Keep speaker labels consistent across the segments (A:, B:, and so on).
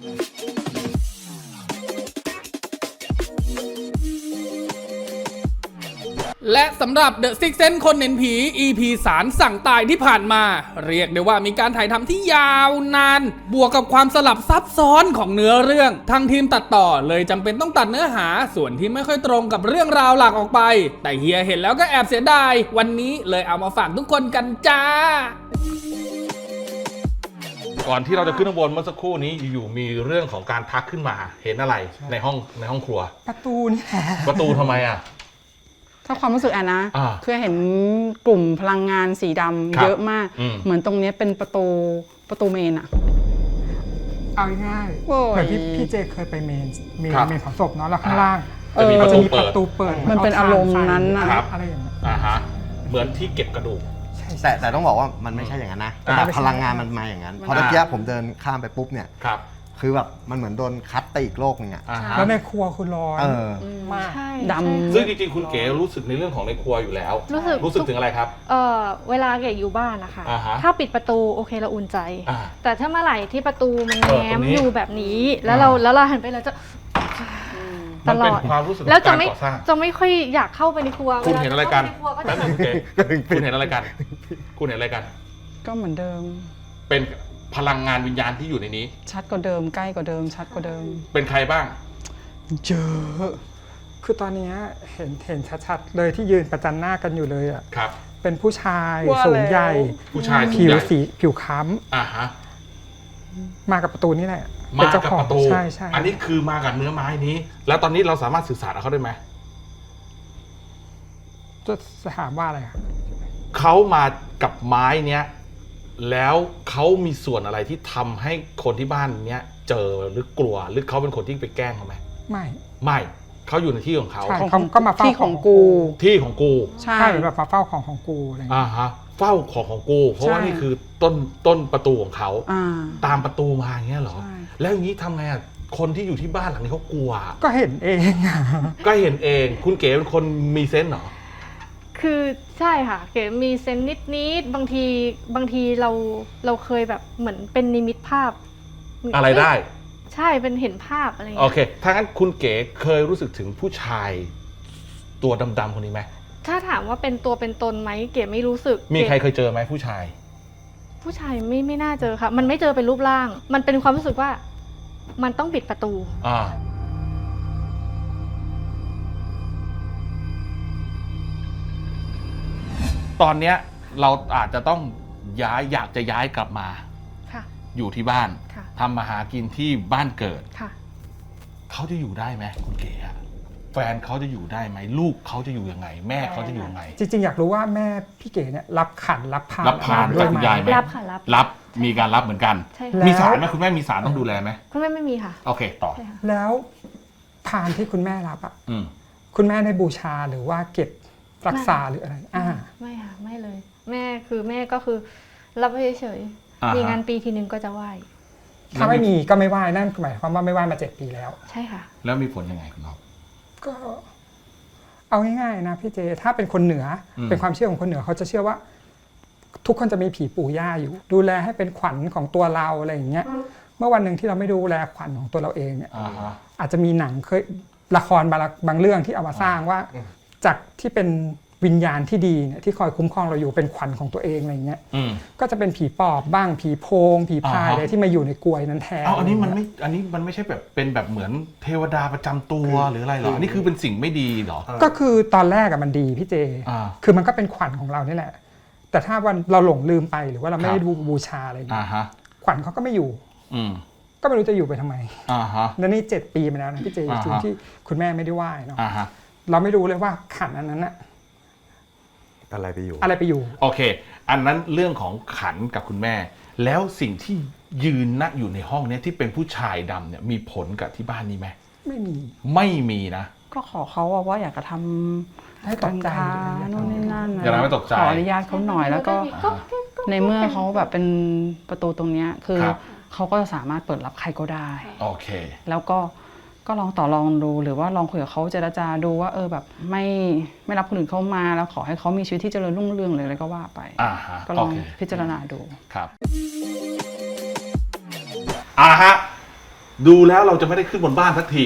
A: และสำหรับ The Sixth Sense คนเห็นผี EP สารสั่งตายที่ผ่านมา เรียกได้ว่ามีการถ่ายทำที่ยาวนาน บวกกับความสลับซับซ้อนของเนื้อเรื่องทางทีมตัดต่อเลยจำเป็นต้องตัดเนื้อหาส่วนที่ไม่ค่อยตรงกับเรื่องราวหลักออกไป แต่เฮียเห็นแล้วก็แอบเสียดายวันนี้เลยเอามาฝากทุกคนกันจ้า
B: ก่อนที่เราจะขึ้นข้างบนเมื่อสักครู่นี้อยู่ๆมีเรื่องของการทักขึ้นมาเห็นอะไรในห้องครัว
C: ประตูนี่แหละ
B: ประตูทำไมอ่ะ
D: ถ้าความรู้สึกแอนนะ
B: อ่า
D: คือเห็นกลุ่มพลังงานสีดำ
B: ครับ
D: เยอะมาก
B: อืม
D: เหมือนตรงนี้เป็นประตูเมนอะ
C: เอาง่าย
D: โอ้ย
C: เหมือนพี่เจเคยไปเมนเผาศพเนาะแล้วข้างล่าง
B: จะมีประตู
C: มี
B: เปิ
C: ป
B: ด
C: ระตูเปิด
D: มันเป็นอารมณ์นั้นน่ะ
B: ครับ
C: อะไรอย่างเงี้ย
B: ฮะเหมือนที่เก็บกระดูก
C: ใช่
E: แต่ต้องบอกว่ามันไม่ใช่อย่างนั้นนะ
B: อ่า
E: แต่พลังงานมันมาอย่างนั้น เพราะเมื่อกี้ผมเดินข้ามไปปุ๊บเนี่ย
B: ครับ
E: คือแบบมันเหมือนโดนคัดไปอีกโลกนึงอ่ะ
B: อ่าฮะ
C: แล้วในครัวคือร้อน
E: เออ
C: มาก
F: ใช่
D: ดำ
B: ซึ่งจริงๆคุณเก๋รู้สึกในเรื่องของในครัวอยู่แล้ว
F: รู้สึก
B: ถึงอะไรครับ
F: เวลาเก๋อยู่บ้านนะคะ
B: อ่าฮะ
F: ถ้าปิดประตูโอเคเราอุ่นใจ
B: อ่า
F: แต่ถ้าเมื่อไหร่ที่ประตูมัน
B: เออ
F: แง้
B: ตร
F: ม
B: งนี้
F: อยู่แบบนี้แล้วเราหันไปเราจะต
B: มัน
F: ล
B: เป็น
F: อด
B: ความรู้สึกข
F: แล้
B: อ
F: ว
B: ง
F: จะ
B: การ
F: ไม่
B: ก่อสร้าง
F: จะไม่ค่อยอยากเข้าไปในครัว
B: คุณเห็นอะไรกัน
F: วลา
B: แป๊บ
F: เข้า
B: นึ
F: ไป
B: ง
F: ในครัวก็จะ
B: คุณเห็นอะไรกัน คุณเห็นอะไรกัน
D: ก็เหมือนเดิม
B: เป็นพลังงานวิญญาณที่อยู่ในนี้
D: ชัดกว่าเดิมใกล้กว่าเดิม ชัดกว่าเดิม
B: เป็นใครบ้าง
C: เยอะ คือตอนเนี้ยเห็นชัดๆเลยที่ยืนประจันหน้ากันอยู่เลยอ่ะ
B: ครับ
C: เป็นผู้ชาย
D: ว่า
C: สูง
D: แล้ว
C: ใหญ่
B: ผู้ชายสูง
C: ผิว
B: ใหญ่
C: สีผิวค้
B: อ่าฮะ
C: ำมากับประตูนี่แหละ
B: มา
C: เป็นเจ้า
B: กับ
C: ของ
B: ประตู
C: ใช่ใช่
B: อันนี้คือมากับเนื้อไม้นี้ แล้วตอนนี้เราสามารถสื่อสารกับเขาได้ไหม
C: จะถามว่าอะไรอะ
B: เขามากับไม้เนี้ยแล้วเขามีส่วนอะไรที่ทำให้คนที่บ้านเนี้ยเจอหรือกลัวหรือเขาเป็นคนที่ไปแกล้งเขาไหม
C: ไม่
B: ไม่เขาอยู่ในที่ของเขา
C: ใช่เขาก็มาเฝ้า
D: ที่ของกู
B: ที่ของกู
D: ใช่
C: ใช่แบบมาเฝ้าของกูอะไรอย่างเงี้ย
B: ฮะเฝ้าของกูเพราะว่า
D: ใช่
B: นี่คือต้นประตูของเขา
D: อ่า
B: ตามประตูมาอย่างเงี้ยเหรอ
D: ใช่
B: แล้วอย่างนี้ทำไงอ่ะคนที่อยู่ที่บ้านหลังนี้เขากลัว
C: ก็เห็นเองอะ
B: ก็เห็นเองคุณเก๋เป็นคนมีเซนส์เหรอ
F: คือใช่ค่ะเก๋มีเซนส์นิดๆบางทีเราเคยแบบเหมือนเป็นนิมิตภาพ
B: อะไรได้
F: ใช่เป็นเห็นภาพอะไรอย่าง
B: โอ
F: เงี้ย
B: เค ถ้างั้นคุณเก๋เคยรู้สึกถึงผู้ชายตัวดำๆคนนี้ไหม
F: ถ้าถามว่าเป็นตัวเป็นตนไหมเก๋ไม่รู้สึก
B: มีใคร
F: ก๋
B: เคยเจอไหมผู้ชาย
F: ผู้ชายไม่น่าเจอค่ะ มันไม่เจอเป็นรูปร่าง มันเป็นความรู้สึกว่ามันต้องปิดประตู
B: อ่า ตอนเนี้ยเราอาจจะต้องอยากจะย้ายกลับมา
F: ค่ะ
B: อยู่ที่บ้าน
F: ค่ะ
B: ทำมาหากินที่บ้านเกิด
F: ค่ะ
B: เขาจะอยู่ได้ไหมคุณเก๋อะแฟนเขาจะอยู่ได้ไหมลูกเขาจะอยู่ยังไง แม่เขาจะอยู่ยังไง
C: จริงๆอยากรู้ว่าแม่พี่เก๋เนี่ยรับขันรับพาน
B: รับพาน
C: ด้ว
B: จาก
C: ย
B: คุณ
C: ไหม
B: ยายไหม
F: รับค่ะรับ
B: รับมีการรับเหมือนกัน
F: ใช่
C: แล้
F: ค่ะ
C: ว
B: มีสารไหมคุณแม่มีสารต้องดูแลไหม
F: คุณแม่ไม่มีค่ะ
B: โอเคต่อ
F: ใช่ค่ะ
C: แล้วพานที่คุณแม่รับอ่ะ
B: อืม
C: คุณแม่ได้บูชาหรือว่าเก็บรักษาหรืออะไร
F: ไม่ค่ะไม่เลย แม่ก็คือรับไว้เฉย
B: อ่าฮะ
F: ๆมีงานปีทีนึงก็จะไหว้
C: ถ้าไม่มีก็ไม่ไหว้นั่นหมายความว่าไม่ไหว้มา7 ปีแล้ว
F: ใช่ค่ะ
B: แล้วมีผลยังไงคุณน้อง
C: ก็เอาง่ายๆนะพี่เจถ้าเป็นคนเหนืออ
B: ม
C: เป็นความเชื่อของคนเหนือเขาจะเชื่อว่า ทุกคนจะมีผีปู่ย่าอยู่ ดูแลให้เป็นขวัญของตัวเราอะไรอย่างเงี้ยเมื่อวันหนึ่งที่เราไม่ดูแลขวัญของตัวเราเองเนี่ย
B: อ่าฮะ
C: อาจจะมีหนังเคยละครบางเรื่องที่เอามาสร้างว่า จากที่เป็นวิญญาณที่ดีเนี่ยที่คอยคุ้มครองเราอยู่เป็นขวัญของตัวเองอะไรเงี้ย
B: อืม
C: ก็จะเป็นผีปอบบ้างผีโพง ผีพาย
B: อ่าฮะ
C: อะไรที่มาอยู่ในกลวยนั้นแทน
B: เอาอันนี้มันไม่ใช่แบบเป็นแบบเหมือนเทวดาประจำตัวหรืออะไรหรออันนี้คือเป็นสิ่งไม่ดีเหรอ
C: ก็คือตอนแรกอะมันดีพี่เจ
B: อ่า
C: คือมันก็เป็นขวัญของเรานี่แหละ แต่ถ้าวันเราหลงลืมไปหรือว่าเราไม่
B: ครั
C: ได้
B: บ
C: ดูบูชาอะไรอย่าง
B: อ่า
C: เงี้ย
B: ฮะ
C: ขวัญเขาก็ไม่อยู่
B: อืม
C: ก็ไม่รู้จะอยู่ไปทำไม
B: อ่าฮะ
C: แล้วนี่7 ปีมาแล้วนะพี่เจ
B: อ่าฮะ
C: จริงที่คุณแม่ไม่ได้ไหว้เนาะ
B: อ่าฮะ
C: เราไม่รู้เลยว่าขันอันนั้นอะ
E: อะไรไปอยู่
C: อะไรไปอยู่
B: โอเค อันนั้นเรื่องของขันกับคุณแม่ แล้วสิ่งที่ยืนนะอยู่ในห้องเนี้ยที่เป็นผู้ชายดำเนี่ยมีผลกับที่บ้านนี้ไหม
C: ไม่มี
B: ไม่มีนะ
D: ก็ขอเขาว่าอยากจะทำ
C: ให้ตกใจ
D: การค้านู่นนี่นั่น
B: อย่าทำให้ตกใจ
D: ขออนุญาตเขาหน่อยแล้วก็ในเมื่อเขาแบบเป็นประตูตรงเนี้ยคือ
B: ครับ
D: เขาก็สามารถเปิดรับใครก็ได้
B: โอเค
D: แล้วก็ลองต่อรองดูหรือว่าลองคุยกับเขาเจรจาดูว่าแบบไม่รับคนอื่นเข้ามาแล้วขอให้เขามีชีวิตที่เจริญรุ่งเรืองเลยอะไรก็ว่าไป
B: อ่าฮะ
D: ก็ล
B: โอ
D: อง
B: เค
D: พิจารณาดู
B: ครับฮะดูแล้วเราจะไม่ได้ขึ้นบนบ้านสักที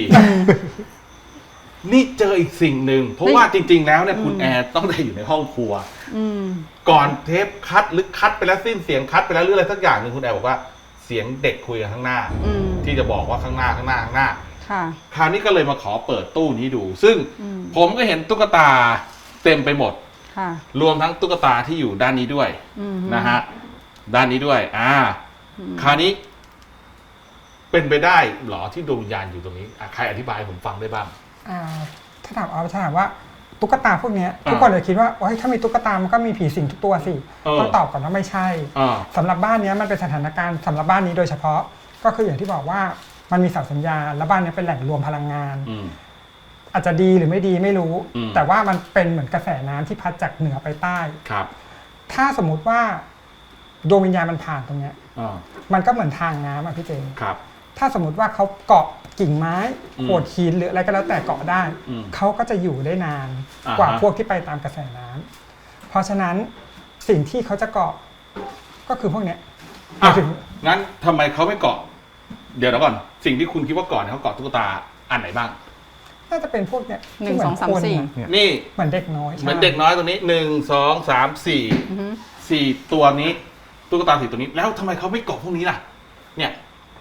B: นี่เจออีกสิ่งหนึ่งเพราะว่าจริง ๆ แล้วเนี่ยคุณแอร์ต้องได้อยู่ในห้องครัว
D: อืม
B: ก่อนเทปคัดหรือคัดไปแล้วสิ้นเสียงคัดไปแล้วหรืออะไรสักอย่างหนึ่งคุณแอร์บอกว่าเสียงเด็กคุยกันข้างหน้า
D: อืม
B: ที่จะบอกว่าข้างหน้า
D: ค่ะ
B: คราวนี้ก็เลยมาขอเปิดตู้นี้ดู ซึ่ง
D: อืม
B: ผมก็เห็นตุ๊กตาเต็มไปหมด
D: ค่ะ
B: รวมทั้งตุ๊กตาที่อยู่ด้านนี้ด้วย
D: อืม
B: นะฮะด้านนี้ด้วยคราวนี้ เป็นไปได้เหรอที่ดวงวิญญาณอยู่ตรงนี้ใครอธิบายให้ผมฟังได้บ้าง
C: ถ้าถามว่าตุ๊กตาพวกเนี้ยทุกคนเลยคิดว่าโอ๊ยถ้ามีตุ๊กตามันก็มีผีสิงทุกตัวสิ ต้องตอบก่อนว่าไม่ใช่ สำหรับบ้านเนี้ยมันเป็นสถานการณ์สำหรับบ้านนี้โดยเฉพาะก็คืออย่างที่บอกว่ามันมีเสาสัญญาณและบ้านนี้เป็นแหล่งรวมพลังงาน อาจจะดีหรือไม่ดีไม่รู้ แต่ว่ามันเป็นเหมือนกระแสน้ำที่พัดจากเหนือไปใต้
B: ครับ
C: ถ้าสมมุติว่าดวงวิญญาณมันผ่านตรงเนี้ยมันก็เหมือนทางน้ำอ่ะพี่เจ
B: ครับ
C: ถ้าสมมติว่าเขาเกาะกิ่งไม้โขดหินหรืออะไรก็แล้วแต่เกาะได้ เขาก็จะอยู่ได้นานกว่าพวกที่ไปตามกระแสน้ำเพราะฉะนั้นสิ่งที่เขาจะเกาะก็คือพวกเนี้ยหมายถึง
B: งั้นทำไมเขาไม่เกาะ เดี๋ยวก่อน สิ่งที่คุณคิดว่าก่อนเขาเกาะตุ๊กตาอันไหนบ้าง
C: น่าจะเป็นพวกเนี้ย
D: หนึ่ง
C: ที่
D: สองสาม
C: เหน
D: สี่
C: คนอะ
B: นี่
C: เหมือนเด็กน้อย
B: เหมือนเด็กน้อยตัวนี้1 2 3
D: อือฮึ
B: 4 4ตัวนี้ตุ๊กตา4ตัวนี้ แล้วทำไมเขาไม่เกาะพวกนี้ล่ะ เนี่ย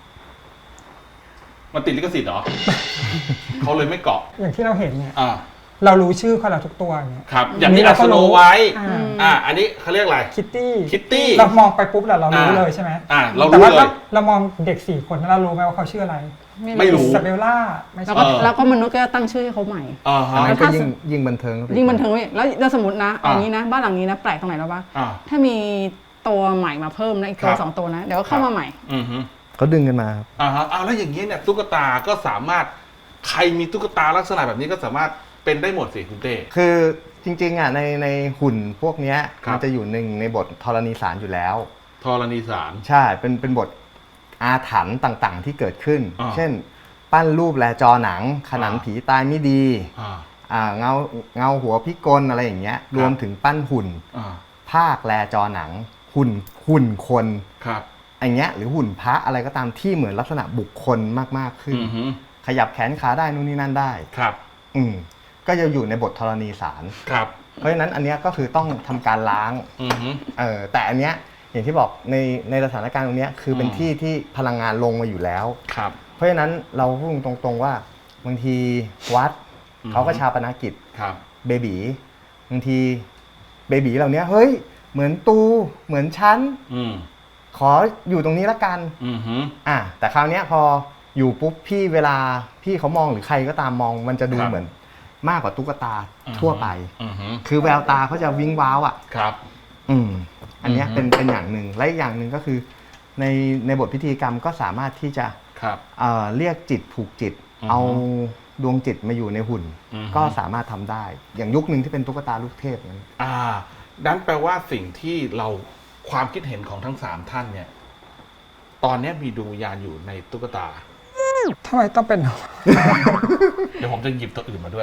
B: มันติดลิขสิทธิ์เหรอ เขาเลยไม่เกาะ
C: อย่างที่เราเห็นเนี่ย
B: อ่า
C: เรารู้ชื่อเขาแล้วทุกตัวเนี่ย
B: ครับ อย่างนี้อัสโนไว้ อันนี้เขาเรียกอะไร
C: คิตตี้
B: Kitty
C: เรามองไปปุ๊บเรารู้เลยใช่ไหม
B: เรา
C: แต่
B: รู้
C: ว่า
B: เลย
C: เรามองเด็ก4 คนแล้วเรารู้ไหมว่าเขาชื่ออะไร
B: ไม่รู้
C: ซาเบลล่าไม่
D: แล้ว
C: ใช่
D: ก็แล้วก็มนุษย์ก็ตั้งชื่อให้เขาใหม่
E: อันนั้นก็ยิ่งบันเทิง
D: ยิ่งบันเทิงเว้ยแล้วสมมตินะเอางี้นะบ้านหลังนี้นะแปลกตรงไหนแล้ววะ
B: อ่า
D: ถ้ามีตัวใหม่มาเพิ่มนะอีกตัว
B: ครับ
D: สองตัวนะเดี๋ยวก็เข้ามาใหม่
B: อือฮึ
E: เขาดึงกันมาครับ
B: แล้วอย่างนี้เนี่ยตุ๊กตาก็สามารถใครมีตุ๊กตาลักษณะแบบนี้ก็สามารถเป็นได้หมดสิคุณเต้
E: คือจริงๆอ่ะในหุ่นพวกเนี้ย
B: ครับ
E: มันจะอยู่ในบทธรณีสารอยู่แล้ว
B: ธรณีสาร
E: ใช่เป็นบทอาถรรพ์ต่างๆ ที่เกิดขึ้น
B: อ่า
E: เช่น ปั้นรูปแลจอหนัง ขนันผีตายไม่ดี เงาหัวพิกลอะไรอย่างเงี้ย รวมถึงปั้นหุ่น ภาคแลจอหนัง หุ่นคน
B: ครับ
E: อย่างเงี้ยหรือหุ่นพระอะไรก็ตามที่เหมือนลักษณะบุคคลมากๆขึ้น
B: อือฮึ
E: ขยับแขนขาได้นู่นนี่นั่นได้
B: ครับ
E: ก็จะอยู่ในบทธรณีสาร
B: ครับ
E: เพราะฉะนั้นอันเนี้ยก็คือต้องทำการล้าง
B: อือฮึ
E: แต่อันเนี้ยอย่างที่บอกในสถานการณ์ตรงเนี้ยคือเป็นที่ที่พลังงานลงมาอยู่แล้ว
B: ครับ
E: เพราะฉะนั้นเราพูดตรงๆว่าบางทีวัด
B: อืม
E: เขาก็ชาปนกิจ
B: ครับ
E: เบบีบางทีเบบีเหล่านี้เฮ้ยเหมือนตูเหมือนชั้น
B: อืม
E: ขออยู่ตรงนี้ละกัน
B: อือฮึ
E: แต่คราวเนี้ยพออยู่ปุ๊บพี่เวลาพี่เขามองหรือใครก็ตามมองมันจะดูเหมือนมากกว่าตุ๊กตาทั่วไป
B: อือฮึ
E: คือแววตาเขาจะวิ้งว้าวอ่ะ
B: ครับ
E: อันเนี้ย
B: อือฮึ
E: เป็นอย่างหนึ่งและอีกอย่างหนึ่งก็คือในบทพิธีกรรมก็สามารถที่จะ
B: ครับ
E: เรียกจิตผูกจิต
B: อือฮึ
E: เอาดวงจิตมาอยู่ในหุ่น
B: อือฮึ
E: ก็สามารถทำได้ อย่างยุคหนึ่งที่เป็นตุ๊กตาลูกเทพนั้น
B: นั้นแปลว่าสิ่งที่เราความคิดเห็นของทั้ง3ท่านเนี่ย ตอนนี้มีดวงวิญญาณอยู่ในตุ๊กตา
C: ทำไมต้องเป็น
B: เดี๋ยวผมจะหยิบตัวอื่นมาด้วย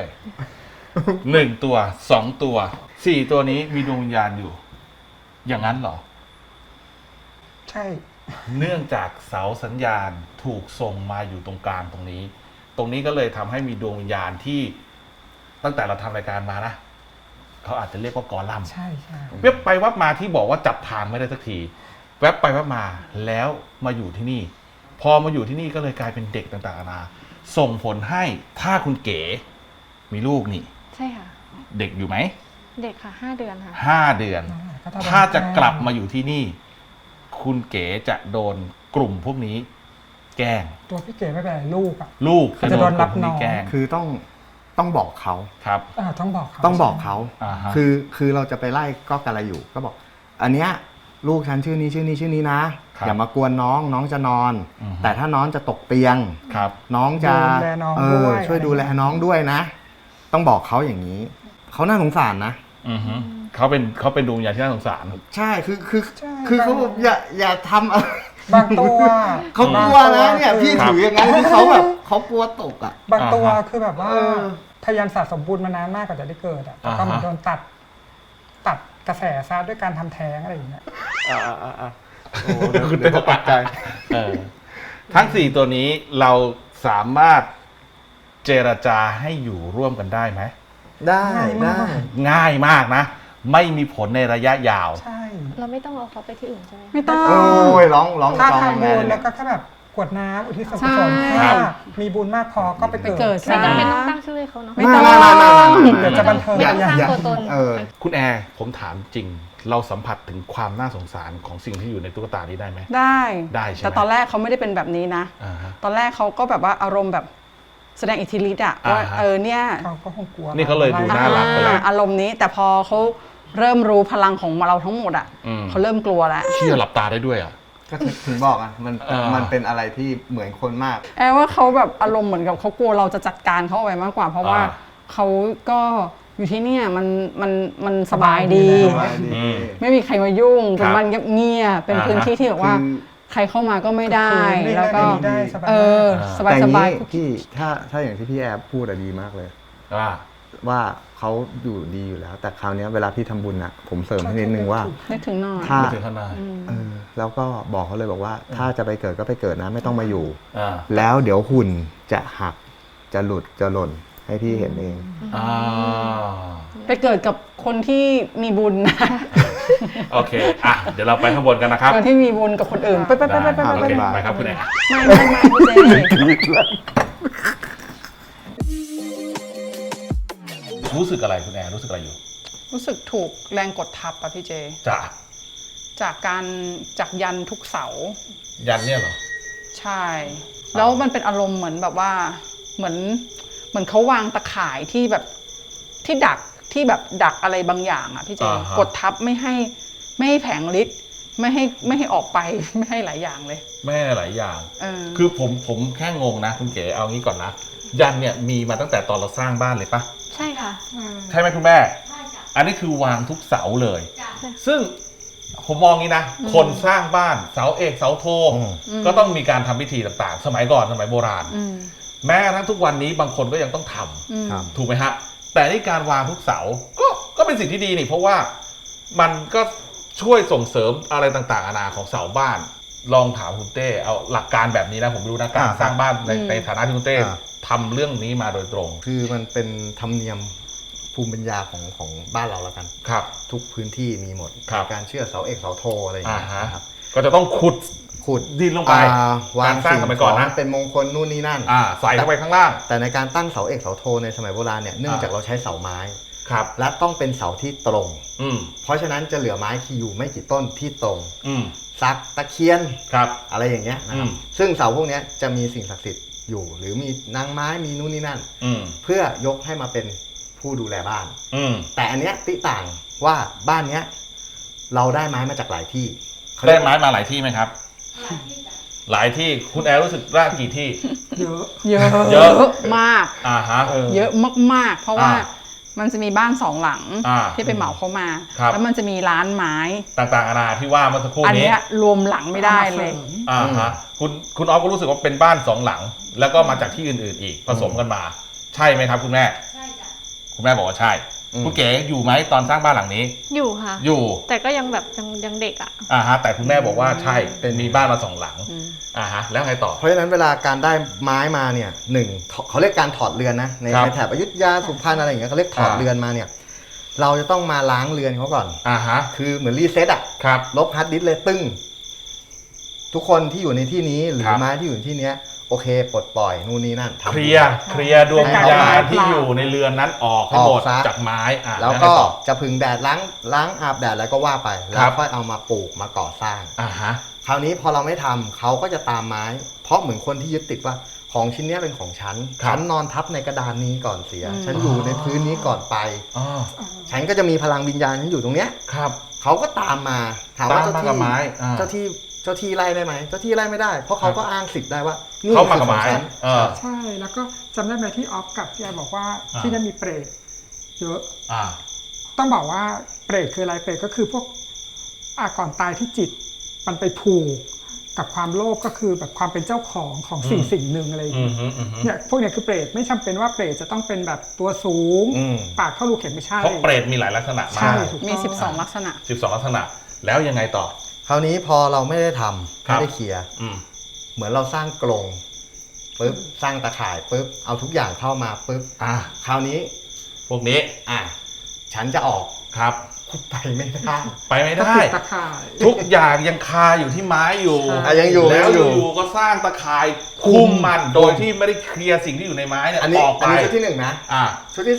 B: 1 ตัว 2 ตัว 4 ตัวนี้มีดวงวิญญาณอยู่ อย่างนั้นเหรอ
C: ใช่
B: เนื่องจากเสาสัญญาณถูกส่งมาอยู่ตรงกลางตรงนี้ ตรงนี้ก็เลยทำให้มีดวงวิญญาณที่ตั้งแต่เราทำรายการมานะเขาอาจจะเรียกว่ากอลัมน์
C: ใช่ใช่
B: เว็บไปวับมาที่บอกว่าจับทางไม่ได้สักทีแวบไปแวบมาแล้วมาอยู่ที่นี่ พอมาอยู่ที่นี่ก็เลยกลายเป็นเด็กต่างๆนานาส่งผลให้ถ้าคุณเก๋มีลูกนี่
F: ใช่ค่ะ
B: เด็กอยู่ไหม
F: เด็กค่ะ5 เดือนค่ะ
B: 5 เดือน ถ้าจะกลับมาอยู่ที่นี่ คุณเก๋จะโดนกลุ่มพวกนี้ แกล้ง
C: ตัวพี่เก๋ไม่เป็นไรลูกอ่ะ
B: ลูก
C: เขาจะโดนรับ
B: กลุ่มพวก
C: น้อง
B: แกล้ง
E: คือต้องบอกเขา
B: ครับ
C: ต้องบอกเขา
E: ต้องบอกเขา
B: อ่าฮะ
E: คือเราจะไปไล่ก็กันอะไรอยู่ ก็บอก อันเนี้ยลูกฉันชื่อนี้นะครับ อย่ามากวนน้องจะนอน
B: อือฮึ
E: แต่ถ้าน้องจะตกเตียง
B: ครับ
E: น้องจะ
C: ดูแลน้องด้วย
E: ช่วยดูแลน้องด้วยนะ ต้องบอกเขาอย่างนี้ เขาน่าสงสารนะ
B: อือฮึเขาเป็นดวงวิญญาณที่น่าสงสาร
E: ใช่คือ
C: ใช่
E: คือเขาแบบอย่าทำอะไร
C: บางตัว
E: เขากลัวนะเนี่ยพี่
B: ครับ
E: ถืออย่างนั้นคือเขาแบบเขากลัวตกอ่ะ
C: บางตัว
B: อ่าฮะ
C: คือแบบว่า
E: เออ
C: พยายามสะสมบุญมานานมากกว่าจะได้เกิดอ่ะแต่ก็
B: อ่าฮะ
C: เหมันโดนตัดกระแสซะด้วยการทำแท้งอะไรอย่างเงี้ย
E: โอ้เดี๋ยว
B: คุณ
E: เดี๋ยว
B: ต
E: ตกใจ
B: เออทั้ง 4 ตัวนี้เราสามารถเจรจาให้อยู่ร่วมกันได้ไหม
E: ได้ได้
B: ง่ายมากนะ ไม่มีผลในระยะยาว
C: ใช่
F: เราไม่ต้องเอาเขาไปที่อื่นใช่ไหม
D: ไม่ต้อง
E: โอ้ยร้อง
C: ถ้า
E: ร้อง
C: ทำ
E: แม่
C: บุญ
E: เล
C: แล้ว
E: ย
C: ก็แค่แบบกรวดน้ำอุทิศส่วนกุศล
D: ใช่
C: ถ้ามีบุญมากพอก็ไป
D: ไป
C: เกิ
D: เกิ
C: ด
D: ด
F: ไม่จำเป็น
D: ซะ
F: ต้องตั้งชื่อให้เขาเนาะ
D: ไม่ต้อง
C: เดี๋ยวจะบันเทิง
F: ไม่ต้องสร้าง
E: อย่า
F: ตัวตน
B: คุณแอร์ผมถามจริง เราสัมผัสถึงความน่าสงสารของสิ่งที่อยู่ในตุ๊กตานี้ได้ไหม
D: ได้
B: ได้ใช่ไหม
D: แต่ตอนแรกเขาไม่ได้เป็นแบบนี้นะ
B: อ่าฮะ
D: ตอนแรกเขาก็แบบว่าอารมณ์แบบแสดงอิทธิฤทธิ์อะ
B: อ่า
D: ว่า
B: ฮะ
D: เนี่ย
C: เขาก็คงกลัว
B: นี่เขาเลยดูน่ารักไปแล้ว
D: อารมณ์นี้แต่พอเขาเริ่มรู้พลังของเราทั้งหมดอะ
B: อืม
D: เขาเริ่มกลัวแล้ว
B: เชื่อหลับตาได้ด้วยอ่ะ
E: ก็ถึงบอกอ่ะมัน
B: อ่ามั
E: มันเป็นอะไรที่เหมือนคนมาก
D: แอบว่าเขาแบบอารมณ์เหมือนกับเขากลัวเราจะจัดการเขาเอาไว้มากกว่า เพราะว่า
B: อ่า
D: เขาก็อยู่ที่เนี่ยมันสบายดี
E: สบายดี
B: อืม
D: ไม่มีใครมายุ่ง
B: ครั
D: เป็
B: บ
D: นบ้านเงียบๆเป็น
B: อ่าฮะ
D: พื้นที่ที่แบบว่า
E: คือ
D: ใครเข้ามาก็ไม่ได้
C: คือ
D: แล้วก็
C: ไม่ได้สบาย
D: สบาย
E: แต่
D: ส
E: อย่าง
D: บาย
E: นี้พี่ถ้าอย่างที่พี่แอบพูดอะดีมากเลย
B: ว่า
E: ว่าเขาอยู่ดีอยู่แล้ว แต่คราวเนี้ยเวลาพี่ทำบุญอะผมเสริมให้นิดนึงว่า
D: นึกถึงหน่อย
E: ถ้า
B: ไม่ถึงขนาด
E: แล้วก็บอกเขาเลยบอกว่า ถ้าจะไปเกิดก็ไปเกิดนะไม่ต้องมาอยู่
B: อ่า
E: แล้วเดี๋ยวหุ่นจะหักจะหลุดจะหล่นให้พี่เห็นเอง
B: อ่า
D: ไปเกิดกับคนที่มีบุญนะ
B: โอเค อ่ะ เดี๋ยวเราไปข้างบนกันนะครับ
D: คนที่มีบุญกับคนอื่นไป
B: ได้
D: ไป
B: โอเคไปครับคุณแอร์
D: ไม่พี่เจ
B: รู้สึกอะไรคุณแอร์รู้สึกอะไรอยู่
D: รู้สึกถูกแรงกดทับอะพี่เจ
B: จ้ะ
D: จากยันทุกเสา
B: ยันเนี่ยเหรอ
D: ใช่ แล้วมันเป็นอารมณ์เหมือนแบบว่าเหมือนเขาวางตะข่ายที่แบบที่ดักอะไรบางอย่างอะพี่เจ
B: อ่าฮะ
D: กดทับไม่ให้แผงฤทธิ์ไม่ให้ออกไป ไม่ให้หลายอย่างเลย
B: แม่หลายอย่าง
D: เออ
B: คือผมแค่งงนะคุณเก๋เอางี้ก่อนนะ ยันเนี่ยมีมาตั้งแต่ตอนเราสร้างบ้านเลยปะ
F: ใช่ค่ะ
B: ใช่ไหมคุณแม่ อันนี้คือวางทุกเสาเลย ซึ่งผมมองงี้นะ คนสร้างบ้านเสาเอกเสาโท ก็ต้องมีการทำพิธีต่างๆ สมัยก่อนสมัยโบราณ
D: อืม
B: แม้กระทั่งทุกวันนี้บางคนก็ยังต้องทำ
D: อืม
E: ครับ
B: ถูกไหมฮะ แต่นี่การวางทุกเสาก็เป็นสิ่งที่ดีนี่เพราะว่ามันก็ช่วยส่งเสริมอะไรต่างๆนานาของเสาบ้าน ลองถามคุณเต้เอาหลักการแบบนี้นะผมไม่รู้นะการสร้างบ้านในฐานะที่คุณเต้ทำเรื่องนี้มาโดยตรง
E: คือมันเป็นธรรมเนียมภูมิปัญญาของบ้านเราแล้วกัน
B: ครับ
E: ทุกพื้นที่มีหมด
B: ครับ
E: การเชื่อเสาเอกเสาโทอะไรอย่าง
B: อ่า
E: เงี้ย
B: ฮะ
E: นะครับ
B: ก็จะต้องขุด
E: ขุด
B: ดินลงไป
E: วาง
B: การสร้าง
E: สิ่ง
B: สมัย
E: ข
B: ก่
E: อ
B: อน
E: ง
B: นะ
E: เป็นมงคลนู่นนี่นั่น
B: ใส่เข้าไปข้างล่าง
E: แต่ในการตั้งเสาเอกเสาโทในสมัยโบราณเนี่ยเนื่องจากเราใช้เสาไม้
B: ครับ
E: และต้องเป็นเสาที่ตรง
B: อืม
E: เพราะฉะนั้นจะเหลือไม้ที่อยู่ไม่กี่ต้นที่ตรง
B: อืม
E: ซักตะเคียน
B: ครับ
E: อะไรอย่างเงี้ยนะครับ
B: อืม
E: ซึ่งเสาพวกเนี้ยจะมีสิ่งศักดิ์สิทธิ์อยู่ หรือมีนางไม้มีนู่นนี่นั่น
B: อืม
E: เพื่อยกให้มาเป็นผู้ดูแลบ้าน
B: อืม
E: แต่อันเนี้ยติต่างว่าบ้านเนี้ยเราได้ไม้มาจากหลายที่เขา
B: ได้
E: เรียก
B: ไม้มาหลายที่ไหมครับ หลายที่คุณแอร์รู้สึกว่ากี่ที่
C: เยอะ
D: เย
B: เยอะ
D: อะมาก
B: อ่าฮะ
D: เยอะมากๆ เพราะว่า
B: อ่า
D: มันจะมีบ้านสองหลัง
B: อ่า
D: ที่ไปเหมาเขามา
B: ครับ
D: แล้วมันจะมีร้านไม้
B: ต่างๆนานาที่ว่าเมื่อสักครู่
D: อัน
B: นี้
D: เนี้ยรวมหลังไม่ได้เลย
B: อ่าฮะคุณออฟก็รู้สึกว่าเป็นบ้านสองหลัง แล้วก็มาจากที่อื่นๆอีกผสมกันมา ใช่ไหมครับคุณแม่ ใช่จ้ะคุณแม่บอกว่าใช่คุณเก๋อยู่ไหมตอนสร้างบ้านหลังนี้
F: อยู่ค่ะ
B: อยู่
F: แต่ก็ยังแบบยังเด็กอ่ะ
B: อ่าฮะแต่คุณแม่บอกว่าใช่เป็นมีบ้านมาสองหลังอ่าฮะแล้วไงต่อ
E: เพราะฉะนั้นเวลาการได้ไม้มาเนี่ยหนึ่งเขาเรียกการถอดเรือนนะใน
B: ครับ
E: ในแถบอยุธยาสุพรรณอะไรอย่างเงี้ยเขาเรียกถอดเรือนมาเนี่ยเราจะต้องมาล้างเรือนเขาก่อน
B: อ่าฮะ
E: คือเหมือนรีเซ็ตอ่ะ
B: ครับ
E: ลบฮาร์ดดิสก์เลยตึ้งทุกคนที่อยู่ในที่นี้หรือ
B: ครับ
E: ไม้ที่อยู่ในที่เนี้ยโอเคปลดปล่อยนู่นนี่นั่นทำ
B: เคลียร์ดวงวิญญา
E: ให้
B: ณ
E: เอา
B: ที่อยู่ในเรือนนั้นออกให้หมด
E: ออกซะ
B: จากไม้อ่ะ
E: แล้ว
B: ไง
E: ก็
B: ต่อ
E: จะพึ่งแดดล้างอาบแดดแล้วก็ว่าไปแล้
B: ครั
E: ว
B: บ
E: ค่อยเอามาปลูกมาก่อสร้าง
B: อ่าฮะ
E: คราวนี้พอเราไม่ทำเขาก็จะตามไม้ เพราะเหมือนคนที่ยึดติดว่าของชิ้นเนี้ยเป็นของฉัน
B: ครับ
E: ฉันนอนทับในกระดานนี้ก่อนเสีย ฉันอยู่ในพื้นนี้ก่อนไป
B: อ๋อ
E: ฉันก็จะมีพลังวิญญาณฉันอยู่ตรงเนี้ย
B: ครับ
E: เขาก็ตามมาถามว่า
B: ตามมากับไม้อ่า
E: เจ้าที่ไล่ได้ไหมเจ้าที่ไล่ไม่ได้ เพราะเขาก็อ้างสิทธิ์ได้ว่านี่
B: เขามา
E: คือ
B: กับ
E: ขอ
B: ไม้
E: งฉัน
B: เออ
C: ใช่ แล้วก็จำได้ไหมที่ออฟกับพี่แอร์บอกว่า
B: อ่า
C: ที่นั่นมีเปรตเยอะ
B: อ่า
C: ต้องบอกว่าเปรตคืออะไร เปรตก็คือพวกก่อนตายที่จิตมันไปผูกกับความโลภก็คือแบบความเป็นเจ้าของสิ่งหนึ่งอะไรอย่าง
B: อื
C: เงี้
B: ม
C: ย
B: ฮึอืมฮึ
C: เนี่ยพวกเนี้ยคือเปรตไม่จำเป็นว่าเปรตจะต้องเป็นแบบตัวสูง ปากเท่ารูเข็มไม่ใช่
B: เพราะเปรตมีหลายลักษณะมา
C: ใช่
B: ก
C: ถูก
D: มี
C: ต้อง
D: 12 ลักษณะ
B: 12 ลักษณะ แล้วยังไงต่อ
E: คราวนี้พอเราไม่ได้ทำ
B: ครับ
E: ไม่ได้เคลียร์
B: อืม
E: เหมือนเราสร้างกรงปุ๊บสร้างตะข่ายปุ๊บเอาทุกอย่างเข้ามาปุ๊บคราวนี้
B: พวกนี้
E: ฉันจะออก
B: ครับ
E: ไปไม่ได้
B: ไปไม่
C: ก็
B: ได้
C: ปิดตะข่าย
B: ทุกอย่างยังคาอยู่ที่ไม้อยู่
E: ยังอยู่
B: แล้ว
E: ยังอยู่
B: อยู่ก็สร้างตะข่ายคุมมันโดยที่ไม่ได้เคลียร์สิ่งที่อยู่ในไม้เนี่ย
E: อันนี้
B: ออกไป
E: ชุดที่ 1นะ
B: อ่า
E: ชุดที่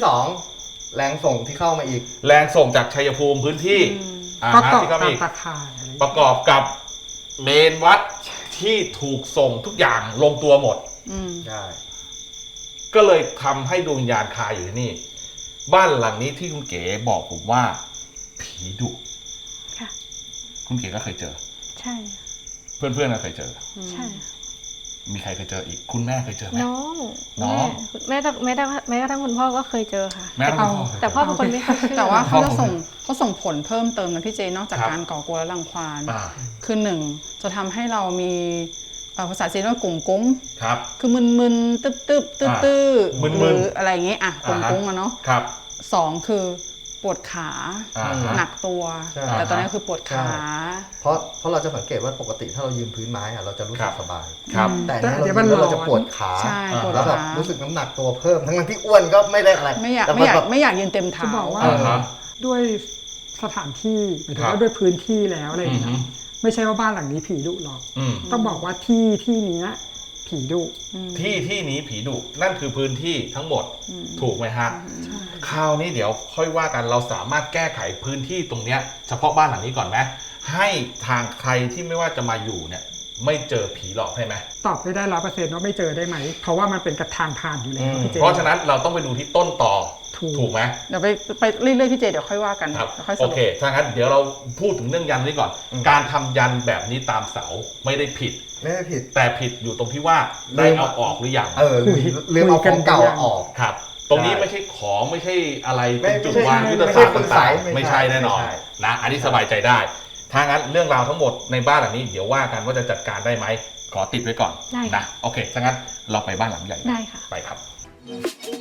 E: 2 แรงส่งที่เข้ามาอีก
B: แรงส่งจากชัยภูมิพื้นที่
C: ประกอบ
B: ที่ก็
C: ตาม
B: มี
C: ตะข่ายอะไร
B: ประกอบกับเมนวัดที่ถูกส่งทุกอย่างลงตัวหมด
E: ใช่
B: ก็เลยทำให้ดวงวิญญาณคาอยู่ที่นี่ บ้านหลังนี้ที่คุณเก๋บอกผมว่า ผีดุ
F: ค่ะ
B: คุณเก๋ก็เคยเจอ
F: ใช่
B: เพื่อนๆก็เคยเจอ
F: ใช่
B: มีใครเคยเจออีก คุณแม่เคยเจอไหม
F: น้อง
B: น้อง
F: แม่กระทั่งคุณพ่อก็เคยเจอค่ะ
B: แม่และคุณพ่อเคยเจอ
F: แต่พ่อเป็นคนไม่ค่อยเชื่อ
D: แต่ว่าเขาจะ
B: พ่อผม
D: ส่งผลเพิ่มเติมนะพี่เจนอกจาก
B: ครับ
D: การก่อกวนและรังควาน
B: อ่า
D: คือหนึ่งจะทำให้เรามีภาษาจีนว่ากงกง
B: ครับ
D: คือมึนๆตึ๊บๆตื้อๆ
B: มึนๆ
D: หรืออะไรอย่างเงี้ยกงกงอะเนาะ
B: ครับ
D: สองคือปวดขา
B: อ่าฮะ
D: หนักตัว
E: ใช่
D: แต่ตอนนี้คือปวดขา
E: เพราะเราจะสังเกตว่าปกติถ้าเรายืนพื้นไม้เราจะรู้สึกสบาย
B: ครับ
E: แต่อันนี้เรายืนแล้วเราจะปวดขา
D: ใช่ปวด
E: แล้วแบบ
D: ขา
E: รู้สึกน้ำหนักตัวเพิ่มทั้งที่อ้วนก็ไม่ได้อะไร
D: ไม่อยาก
E: แต่
D: ไม่อยาก
E: แบบ
D: ไม่อยากยืนเต็มเท้า
C: จะบอกว่า
B: อ่าฮะ
C: ด้วยสถานที่หมายถึง
B: ครับ
C: ว่าด้วยพื้นที่แล้วอะไรอย่างเงี้
B: อื
C: ย
B: อฮึ
C: ไม่ใช่ว่าบ้านหลังนี้ผีดุหรอก
B: อืม
C: ต้องบอกว่าที่เนี้ยผีดุ
B: ที่นี้ผีดุนั่นคือพื้นที่ทั้งหมดถูกไหมฮะคราวนี้เดี๋ยวค่อยว่ากันเราสามารถแก้ไขพื้นที่ตรงเนี้ยเฉพาะบ้านหลังนี้ก่อนไหมให้ทางใครที่ไม่ว่าจะมาอยู่เนี่ย ไม่เจอผีหลอกได้ไหม
C: ตอบไม่ได้100%ว่าไม่เจอได้ไหม เพราะว่ามันเป็นกระทางผ่านอยู่แล้วพี่เจ
B: เพราะฉะนั้นเราต้องไปดูที่ต้นต่อ
C: ถูก
B: ไหม
D: เดี๋ยวไปเรื่อยๆพี่เจเดี๋ยวค่อยว่ากัน
B: ครับ
D: เดี๋ยวค่อยส
B: โอ
D: รุป
B: เคถ้างั้นเดี๋ยวเราพูดถึงเรื่องยันนี้ก่อน การทำยันแบบนี้ตามเสาไม่ได้ผิด
E: ไม่ได้ผิด
B: แต่ผิดอยู่ตรงที่ว่าได้เอาออกหรือยัง
E: ลืมเอาของเก่าออก
B: ครับ ตรงนี้
E: ใช่
B: ไม่ใช่ของไม่ใช่อะไร
E: ไม่
B: เป็นจุด
E: ไม่ใช่
B: วางยุทธ
E: ไม่
B: ศา
E: ใช่
B: สตร์
E: คุณไส
B: ต่าง
E: ไม่
B: ๆไม่
E: ใช่
B: ใช่แน่นอน
E: ไม่ใช่
B: นะอันนี้สบายใจได้ถ้างั้นเรื่องราวทั้งหมดในบ้านหลังนี้เดี๋ยวว่ากันว่าจะจัดการได้ไหมขอติดไว้ก่อน
F: ได้
B: นะโอเคถ้างั้นเราไปบ้านหลังใหญ่
F: ได้ค่ะ
B: ไปครับ